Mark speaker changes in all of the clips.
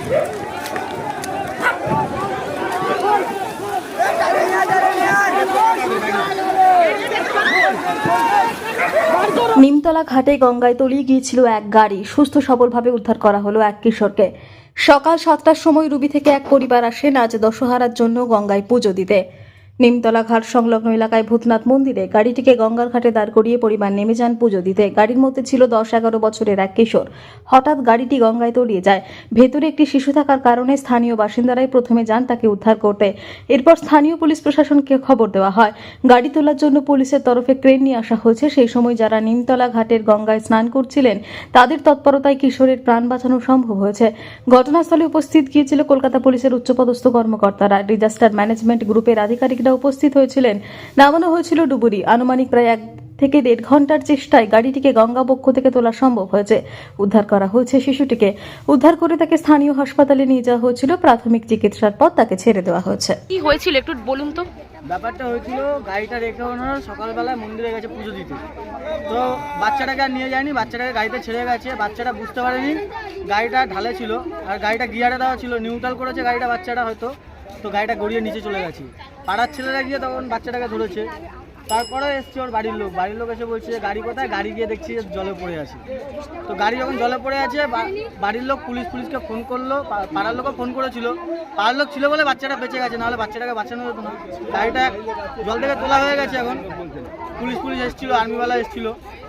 Speaker 1: নিমতলা ঘাটে গঙ্গায় তলিয়ে গিয়েছিল এক গাড়ি। সুস্থ সবলভাবে উদ্ধার করা হলো এক কিশোরকে। সকাল 7টার সময় রুবি থেকে এক পরিবার আসেন আজ দশহারার জন্য গঙ্গায় পুজো দিতে। নিমতলা ঘাট সংলগ্ন এলাকায় ভূতনাথ মন্দিরে গাড়িটিকে গঙ্গার ঘাটে দাঁড় করিয়ে পরিবার নেমে যান পুজো দিতে। গাড়ির মধ্যে ছিল 10-11 বছরের এক কিশোর। হঠাৎ গাড়িটি গঙ্গায় তলিয়ে যায়। ভেতরে একটি শিশু থাকার কারণে স্থানীয় বাসিন্দারাই প্রথমে যান তাকে উদ্ধার করতে। এরপর স্থানীয় পুলিশ প্রশাসনকে খবর দেওয়া হয়। গাড়ি তোলার জন্য পুলিশের তরফে ক্রেন নিয়ে আসা হয়েছে। সেই সময় যারা নিমতলা ঘাটের গঙ্গায় স্নান করছিলেন তাদের তৎপরতায় কিশোরের প্রাণ বাঁচানো সম্ভব হয়েছে। ঘটনাস্থলে উপস্থিত গিয়েছিল কলকাতা পুলিশের উচ্চপদস্থ কর্মকর্তারা। ডিজাস্টার ম্যানেজমেন্ট গ্রুপের আধিকারিকরা উপস্থিত হয়েছিলেন। নামানো হয়েছিল ডুবুরি। আনুমানিক প্রায় 1 থেকে 1.5 ঘন্টার চেষ্টায় গাড়িটিকে গঙ্গা বক্ষ থেকে তোলা সম্ভব হয়েছে। উদ্ধার করা হয়েছে শিশুটিকে। উদ্ধার করে তাকে স্থানীয় হাসপাতালে নিয়ে যাওয়া হয়েছিল। প্রাথমিক চিকিৎসার পর তাকে ছেড়ে দেওয়া হয়েছে।
Speaker 2: কি হয়েছিল একটু বলুন তো।
Speaker 3: ব্যাপারটা হয়েছিল, গাড়িটা রেখে ওনারা সকালবেলায় মন্দিরে গেছে পুজো দিতে। তো বাচ্চাটাকে আর নিয়ে যায়নি, বাচ্চাটাকে গাড়িতে ছেড়ে গেছে। বাচ্চাটা বুঝতে পারেনি গাড়িটা ঢালে ছিল, আর গাড়িটা গিয়ারে দেওয়া ছিল, নিউট্রাল করেছে গাড়িটা বাচ্চাটা হয়তো, তো গাড়িটা গড়িয়ে নিচে চলে গেছে। পাড়ার ছেলেরা গিয়ে তখন বাচ্চাটাকে ধরেছে। তারপরে এসছে ওর বাড়ির লোক এসে বলছে গাড়ি কোথায়, গাড়ি গিয়ে দেখছি জলে পড়ে আছে। তো গাড়ি যখন জলে পড়ে আছে বাড়ির লোক পুলিশকে ফোন করলো, পাড়ার লোকও ফোন করেছিল। পাড়ার লোক ছিল বলে বাচ্চাটা বেঁচে গেছে, নাহলে বাচ্চাটাকে বাঁচানো যেত না। গাড়িটা জল থেকে তোলা হয়ে গেছে। এখন পুলিশ এসেছিল, আর্মিওয়ালা এসেছিল।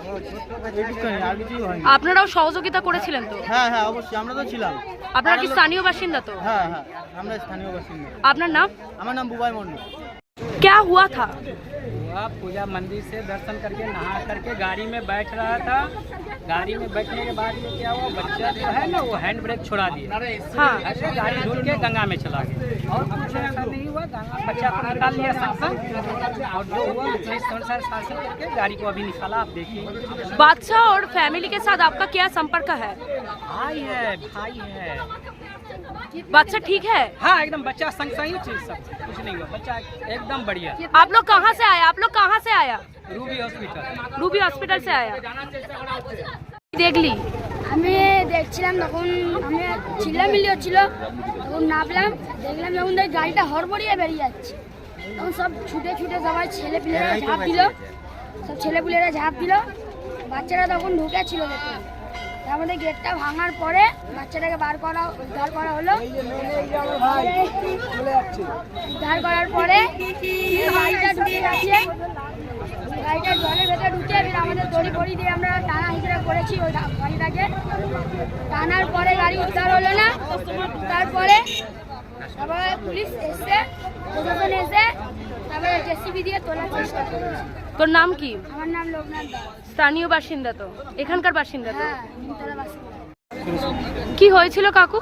Speaker 3: আর কিছুই হয়নি।
Speaker 2: আপনারাও সহযোগিতা করেছিলেন তো?
Speaker 3: হ্যাঁ অবশ্যই, আমরা তো ছিলাম।
Speaker 2: আপনারা কি স্থানীয় বাসিন্দা তো?
Speaker 3: হ্যাঁ আমরা স্থানীয় বাসিন্দা।
Speaker 2: আপনার নাম?
Speaker 3: আমার নাম বুবাই মন্ডল।
Speaker 2: क्या हुआ था?
Speaker 4: पूजा मंदिर से दर्शन करके नहा करके गाड़ी में बैठ रहा था। गाड़ी में बैठने के बाद ये क्या हुआ, बच्चा जो है ना वो हैंड ब्रेक छोड़ा दिया।
Speaker 2: हाँ।
Speaker 4: ऐसे गाड़ी धुल के गंगा में चला गया और कुछ ऐसा नहीं हुआ। गंगा बच्चा को निकाल लिया शासन, और जो हुआ पुलिस अनुसार शासन करके गाड़ी को अभी निकाला। आप देखिए
Speaker 2: बादशाह और फैमिली के साथ आपका क्या संपर्क है?
Speaker 4: भाई है।
Speaker 2: बच्चा ठीक है?
Speaker 4: हाँ एकदम, बच्चा संग सही चीज, सब कुछ नहीं हुआ, बच्चा एकदम बढ़िया।
Speaker 2: आप लोग कहाँ से आया?
Speaker 4: रूबी हॉस्पिटल
Speaker 2: से आया। দেখলি?
Speaker 5: আমি দেখছিলাম, তখন আমি চিল্লামিল্লি হচ্ছিল, তখন নামলাম, দেখলাম যখন গাড়িটা হড়বড়িয়ে বেরিয়ে যাচ্ছে, তখন সব ছুটে সবাই ছেলেপিলেরা ঝাঁপ দিল। বাচ্চারা তখন ঢুকেছিল দেখলাম। আমাদের গেটটা ভাঙার পরে বাচ্চাটাকে উদ্ধার করা হলো। উদ্ধার করার পরে গাড়িটা ঢুকে গেছে, গাড়িটা জলের ভেতরে ঢুকে আমাদের দড়ি দিয়ে আমরা টানা হিসেবে করেছি ওই গাড়িটাকে। টানার পরে গাড়ি উদ্ধার হলো না। তারপরে পুলিশ এসে, প্রশাসন এসে, তারপরে জেসিবি দিয়ে তোলার চেষ্টা করেছে।
Speaker 2: তোর নাম কি?
Speaker 5: আমার নাম লোকনাথ দাস।
Speaker 2: স্থানীয় বাসিন্দা তো? এখানকার বাসিন্দা তো?
Speaker 5: হ্যাঁ, নিমতলা বাসিন্দা।
Speaker 2: কি হয়েছিল কাকু?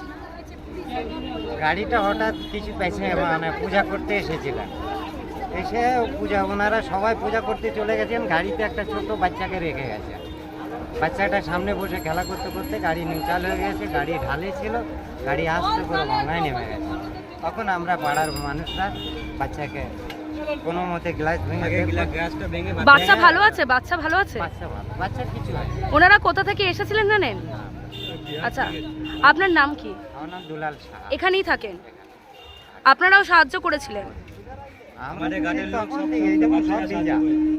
Speaker 6: গাড়িটা হঠাৎ কিছু পূজা করতে এসেছিলেন। এসে ওনারা সবাই পূজা করতে চলে গেছেন। গাড়িতে একটা ছোট বাচ্চাকে রেখে গেছে। বাচ্চাটা সামনে বসে খেলা করতে করতে গাড়ি নিউট্রাল হয়ে গেছে। গাড়ি ঢালে ছিল, গাড়ি আস্তে করে গঙ্গায় নেমে গেছে। তখন আমরা পাড়ার মানুষরা বাচ্চাকে কোনো মতে গ্লাস ভেঙে।
Speaker 2: বাচ্চা ভালো আছে? বাচ্চা ভালো,
Speaker 6: বাচ্চার কিছু হয়।
Speaker 2: ওনারা কোথা থেকে এসেছিলেন জানেন? আচ্ছা, আপনার নাম কি?
Speaker 6: আমার নাম দুলাল শাহ।
Speaker 2: এখানেই থাকেন? আপনারাও সাহায্য করেছিলেন?
Speaker 6: আমাদের গাড়ির লোক সব